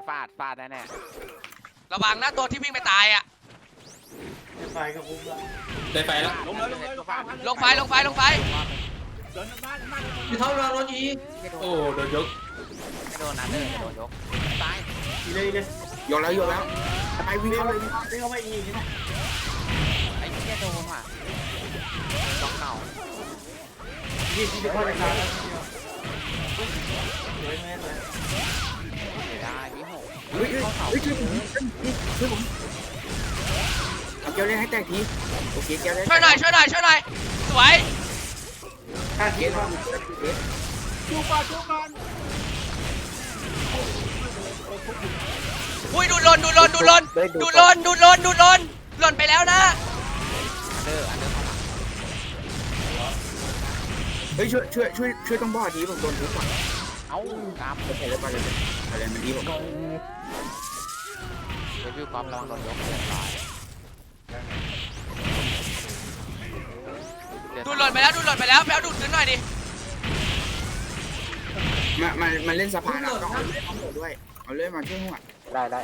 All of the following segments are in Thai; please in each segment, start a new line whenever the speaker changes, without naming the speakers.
ฟาดแน่
ระวังนะตัวที่วิ่งไปตายอ่ะ
ไฟก็คุ้มละ
ได้ไฟแล้ว
ลงเลย
ลงไฟ
พี่ท็อปเราโดนอี
โอ้โดนยก
ไม่โดนนะโดนยกตาย
อีเลยเลย
ยกแล้วไปวิ่งเข้าเลย
วิ่งเข้ามาอีกนี่นะ
ไอ้เหี้ยโดนว่ะต้องเก่า
ที่จะเข้าในร้านแล้วเลยแม่เลย
เสียดายพี่หก
ช่วยผมเอาเกลียวเล่นให้แตกทีโอเคเกลียวเล่น
ช่วยหน่อยสวย
ค่า
เก
เที
ลี
ย
ยว
บ
ชูก่อน
อุ้ยดูดลนหล่นไปแล้วนะ
อันเดอร์เข้ามา
เฮ้ยช่วยต้องบอดทีผมโดนทุบก่อน
เอ้ากราฟ
ไปเลยอะไรมันดีผม
เดวิลกราฟระวังโดนยกเรียบร้อย
ดูดหล่นไปแล้วไปเอาดูดขึ้นหน่อยดิ
มันเล่นสะพานอ่ะต้องเอาเล่นทั้งหมดด้วยเอาเล่นมาช่วยหัว
ได้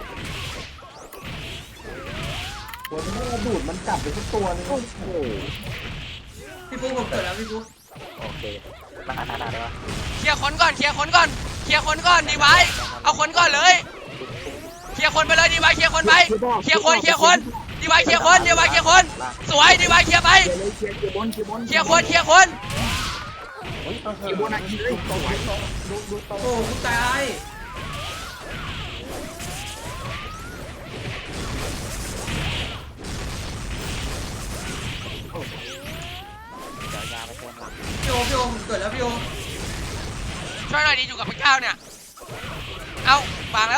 หัวมันดูดมันกลับไปทุกตัวนึง
โอ้โห
พี่ฟุ๊กผมเกิดแล้วพี่ฟุ๊ก
โอเคได้ปะ
เคลียร์คนก่อนดีไว้เอาคนก่อนเลยเคลียร์คนไปเลยดีไว้เคลียร์คนไปเคลียร์คนดีไว้เคลียร์คนสวยดีไว้เคลียร์ไป
เคลียร์บน
เคลียร์คน
เคลียร์บนอ่ะยิงเลยสวย
โอ้กูตาย
เดี๋ยวยาไปเติมหลัง
พี่โอเกิดแล้วพี่โอ
ช่วยหน่อยดิอยู่กับพระเจ้าเนี่ยเอาวางแล้ว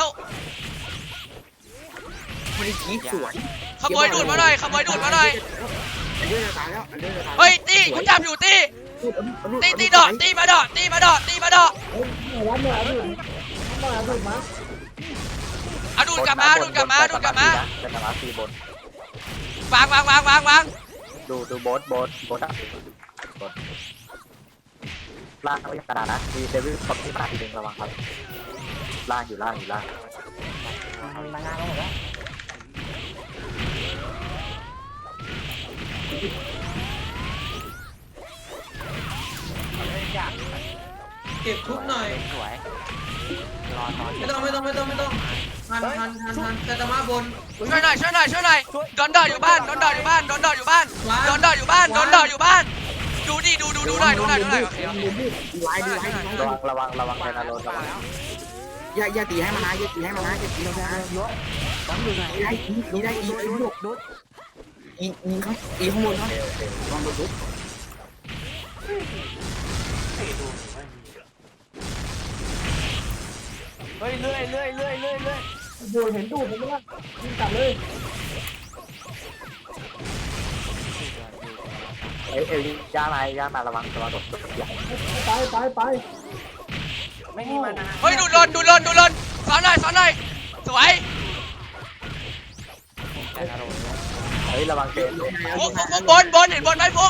มันทีสวย
ขโมยดูดมาหน่อย
อันเดอร์จะตายแล้ว
เฮ้ยตีกูจับอยู่ตีดอกตีมาดอกเอาดูดกลับมา
จะมาตีบน
วาง
ดูโบสอ่ะบนล่างไม่กระดาษนะมีเดวิลตบที่มาทีนึงระวังครับล่างอยู่ล่างมางานแล้วหมดแล้ว
เก็บทุกหน่อย
สวยรอ
ไม่ต้องทันแต่ตะมาบน
ช่วยหน่อยดอนดออยู่บ้านดูหน่อยโอเค
ดีไว้
ระวังไทนาโรนระวัง
อย่าตีให้มันนะอย่าตีให้มันนะอย่าตีให้มันนะได้อีลูกยิงข้างบนเขาลองดูทุบ
เฮ้ยเรื่อย
ดูเห็นดูผมว่ายิงกลับเลย
เอ้ยย่ามาระวังโดดอย่าง
ไป
ไม่มีมานะ
เฮ้ยดูดลนสอนหน่อยสวย
เฮ้ยระวังเกม
ฟุกบนเห็นบนไหมฟุก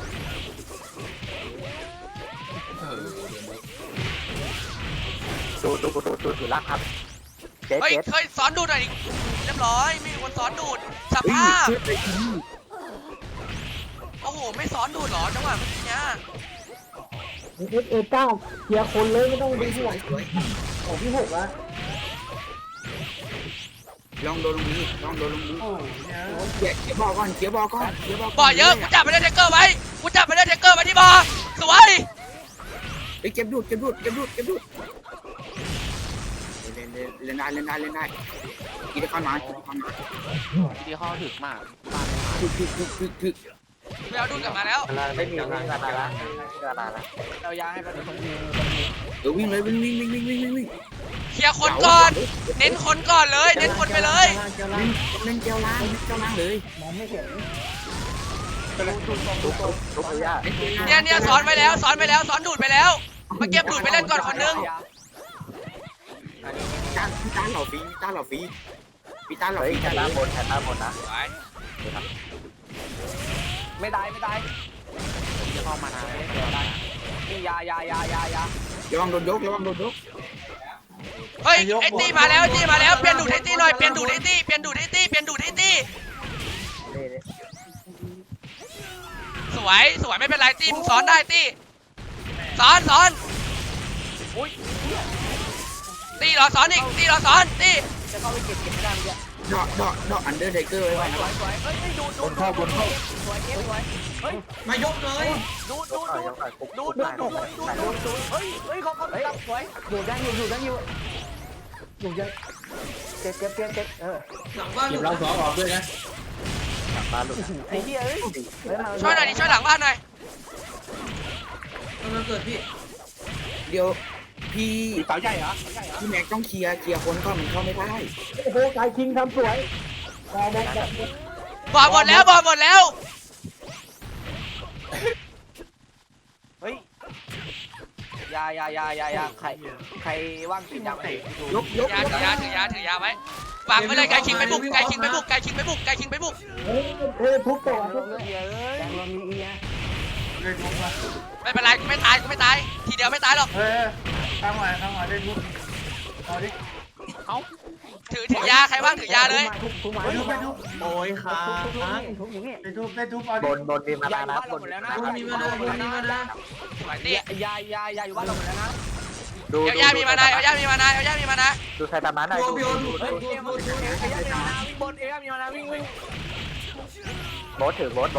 ดูล่างครับเก
เฮ้ย
ต
เคยสอนดูหน่อยเรียบร้อยไม่มีคนสอนดูดสภาพโอ้โหไม่สอนดูดหรอจังหวะเมื่อกี้เนี่ย
เก้าเคลียร์คนเลยไม่ต้องดูที่หลังของพี่หกละ
ลองโดนลงนี้เขียวบอกก่อน
บ่อเยอะกูจับไปเล่นเทคเกอร์ไว้ที่บ่อสวย
ไปเก็บดูดเล่นได้กินข้าวหนา
ที่ข้อถึกมาก
ถึก
ไปเอาดูดกลับมาแล้ว
ไม่มีกระดาษเราย้ายให้ไปคนนึง
เดี๋ยววิ่งเลยวิ่ง
เคลียร์คนก่อนเน้นคนก่อนเลยเน้นคนไปเลย
เล่นเจ้าล้างเลย
มองไม่เห็น
ทุกอย่าง
เนี่ยสอนไปแล้วสอนดูดไปแล้วมาเก็บดูดไปเล่นก่อนคนนึง
พี่ตาเหล่าฟรี
เฮ้ยแค่หน้าบนนะ ไม่ได้จะเข้ามานะได้ยา
ระวังโดนยก
เฮ้ยไอ้ตี้มาแล้วไอ้ตี้มาแล้วเปลี่ยนดูดไอ้ตี้หน่อยเปลี่ยนดูดไอ้ตี้เปลี่ยนดูดไอ้ตี้เปลี่ยนดูดไอ้ตี้
นี่
สวยสวยไม่เป็นไรตี้มึงสอนได้ตี้สอนตี้รอสอนอีกตี้รอสอนตี้
จะเข้าไปเก็บไม่ได้เมื่อกี้
ดอกอันเดอร์ไทเกอร์ไว้นะ
บนเข้าบนเข้า
มายกเลย
ดูเฮ้ยเขาจับสวยอยู่ยังอยู่เก็บ
หลังบ้าน
เก็บเราสองออกด้วยนะ
มาหลุดไอ้เหี้ยเอ้ย
ช่วยหน่อยดิช่วยหลังบ้านหน่อย
กำลังเกิดพี่
เดี๋ยวพี่
เสาใหญ่เหรอ
พี่แม็กต้องเคลียร์คนก่อนมันเข้าไม่ได้
โอ้โหกายคิงทำสวย
บอกหมดแล้วบอกหมดแล้ว
เฮ้ยยาใครว่างกินยาไหน
ยก
ถือยาถือยาไว้วางไว้เลยไก่คิงไปบุกไก่คิงไปบุก
เฮ้ยทุบตัวทุบเลยแกงเรามีเอีย
ไม่เป็นไรกูไม่ตายทีเดียวไม่ตายหรอก
ข้างมาได้ทุบเอาดิ
ถือยาใครว่างถือยาเลย
ทุบโอ้ยขาทุบอย่างงี้ทุบบนมีมานานะบนแล้วนะ
มีมานะ
สวยตี้
ยาอยู่บ้านเราหมดแล้วนะ
เอลย่ามีมานะ
ดูใครตามนั้นหน่อย
พี่โอดู
บนเอยมีมานาวิ่งโบสถือโบส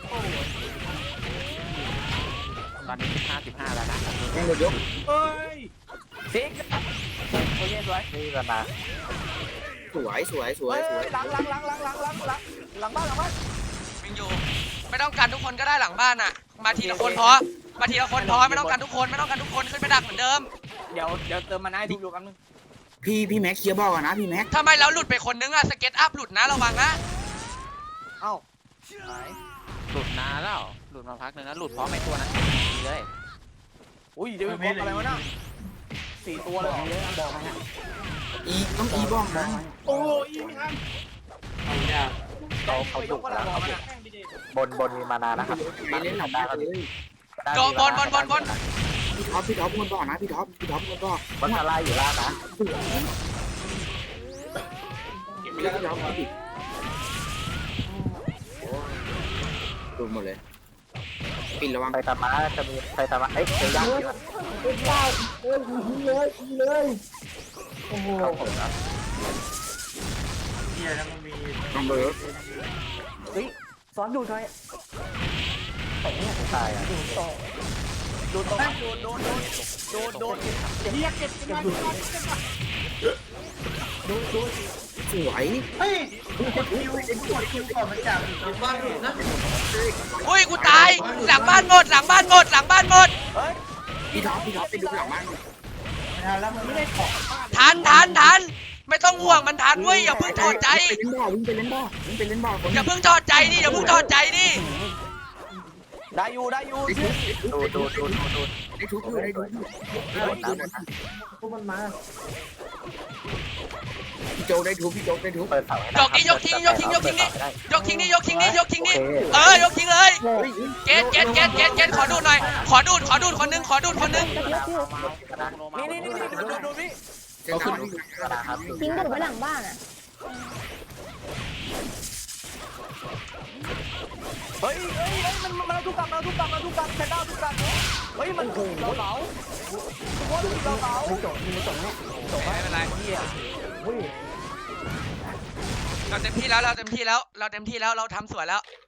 ตอนนี้15แล้วนะ
แม่งเลยยก
ซิกโอเคสวยนี่มานา
สวย
หลังบ้าน
วิ่งอยู่ไม่ต้องการทุกคนก็ได้หลังบ้านอ่ะมาทีละคนพอไม่ต้องการทุกคนขึ้นไปดักเหมือนเดิม
เดี๋ยวเติมมานาให้ดูกันนึง
พี่แม็กเคลียร์บอกก่อนนะพี่แม็ก
ทำไมเราหลุดไปคนนึงอะสเก็ตอัพหลุดนะระวังนะ
เอ้า
หลุดนานแล้วหลุดมาพักนึงแล้วหลุดพร้อมไอ้ตัวนั้นเลย
อุ้ยเดี๋ยวมีอะไรวะน่ะ4 ตัวเลยบอกมาฮะ
ต้องบอกนะ
โอ้ยเขาดุแล้วบนมีมานานะครับ
ไปเล่นหลังได้เลย
โดนบน
พี่ท็อปคนบอกนะพี่ท็อปคนบอก
บนทลายอยู่ล่างนะ
พี่ท็อปดิดูหมดเลยปิดระวัง
ไปตามมาจะมีใครตามมาเอ้ยเดี๋ยวยากเลยโอ้โห
ลองเบอร์
สอนดูหน่อยตายอ่ะดูตรงโดนเรียกเก็บดู
สวย
บ้านนะ
อุ้ยกูตายหลังบ้านหมด
พี่ท็อปไปดูหลังบ้าน
ทันไม่ต้องห่วงมันทันเว้ยอย่าเพิ่งถอดใจ
วิ่งไปเล่นบ่อ
อย่าเพิ่งถอดใจดิ
ได้อยู่ดู
ได้ทุบพี่โจได้ทุบ
เปิดเสาให้
ยกทิ้งนี่ยกทิ้งนี่ยกทิ้งเลยยกทิ้งเลยเกตขอดูหน่อยขอดูดคนนึง
นี่ดูพี่
เขาขึ้น
ครับ
ทิ้งดูดไว้หลังบ้านอ่ะ
เฮ้ยมันทุกกลับแพนด้าทุกกลับเฮ้ยมันโอ้โหเราจบ
ไม่เป็นไรเราเต็มที่แล้วเราทำสวยแล้ว